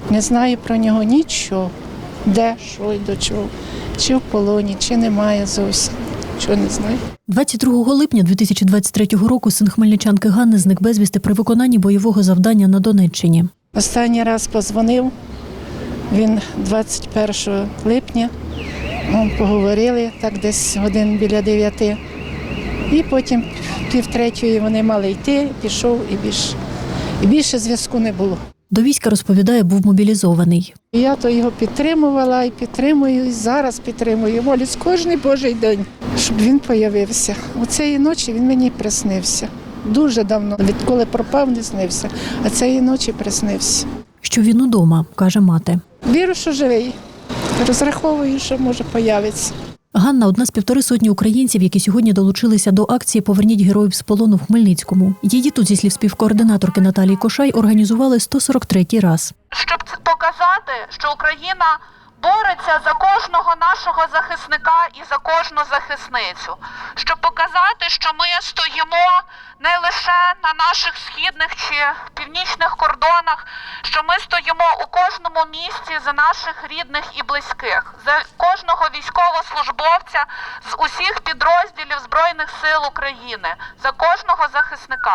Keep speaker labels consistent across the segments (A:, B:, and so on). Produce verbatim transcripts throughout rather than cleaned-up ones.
A: Не знаю про нього нічого. Де, що і до чого. Чи в полоні, чи немає зовсім. Чого не знаю.
B: двадцять другого липня дві тисячі двадцять третього року син хмельничанки Ганни зник безвісти при виконанні бойового завдання на Донеччині.
A: Останній раз позвонив, він двадцять першого липня, ми поговорили, так десь годин біля дев'яти. І потім півтретьої вони мали йти, пішов і більше, і більше зв'язку не було.
B: До війська, розповідає, був мобілізований.
A: І я то його підтримувала і підтримую, і зараз підтримую. Молюсь кожен божий день, щоб він появився. У цієї ночі він мені приснився. Дуже давно, відколи пропав, не снився, а цієї ночі приснився.
B: Що він удома, каже мати.
A: Вірю, що живий. Розраховую, що може появитися.
B: Ганна – одна з півтори сотні українців, які сьогодні долучилися до акції «Поверніть героїв з полону» в Хмельницькому. Її тут, зі слів співкоординаторки Наталії Кошай, організували сто сорок третій раз.
C: Щоб показати, що Україна бореться за кожного нашого захисника і за кожну захисницю. Щоб показати, що ми стоїмо не лише на наших східних чи північних кордонах, що ми стоїмо у кожному місці за наших рідних і близьких, за кожного військовослужбовця з усіх підрозділів Збройних сил України, за кожного захисника.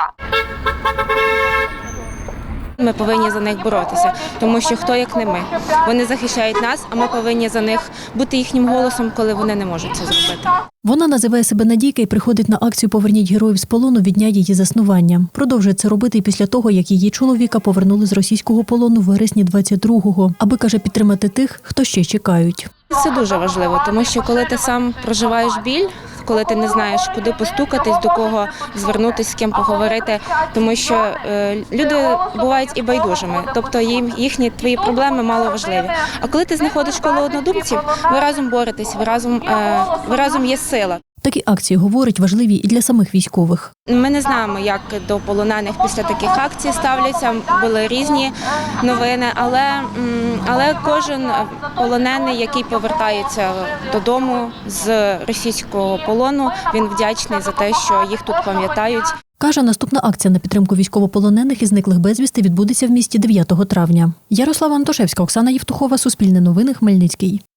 D: Ми повинні за них боротися, тому що хто як не ми. Вони захищають нас, а ми повинні за них бути їхнім голосом, коли вони не можуть це зробити.
B: Вона називає себе Надійка і приходить на акцію «Поверніть героїв з полону» від дня її заснування. Продовжує це робити і після того, як її чоловіка повернули з російського полону в вересні двадцять другого, аби, каже, підтримати тих, хто ще чекають.
D: Це дуже важливо, тому що коли ти сам проживаєш біль, коли ти не знаєш, куди постукатись, до кого звернутися, з ким поговорити, тому що е, люди бувають і байдужими, тобто їм їхні твої проблеми мало важливі. А коли ти знаходиш коло однодумців, ви разом боретесь, ви разом, е, ви разом є сила.
B: Такі акції, говорить, важливі і для самих військових.
D: Ми не знаємо, як до полонених після таких акцій ставляться, були різні новини, але, але кожен полонений, який повертається додому з російського полону, він вдячний за те, що їх тут пам'ятають.
B: Каже, наступна акція на підтримку військовополонених і зниклих безвісти відбудеться в місті дев'ятого травня. Ярослава Антошевська, Оксана Євтухова, Суспільне новини, Хмельницький.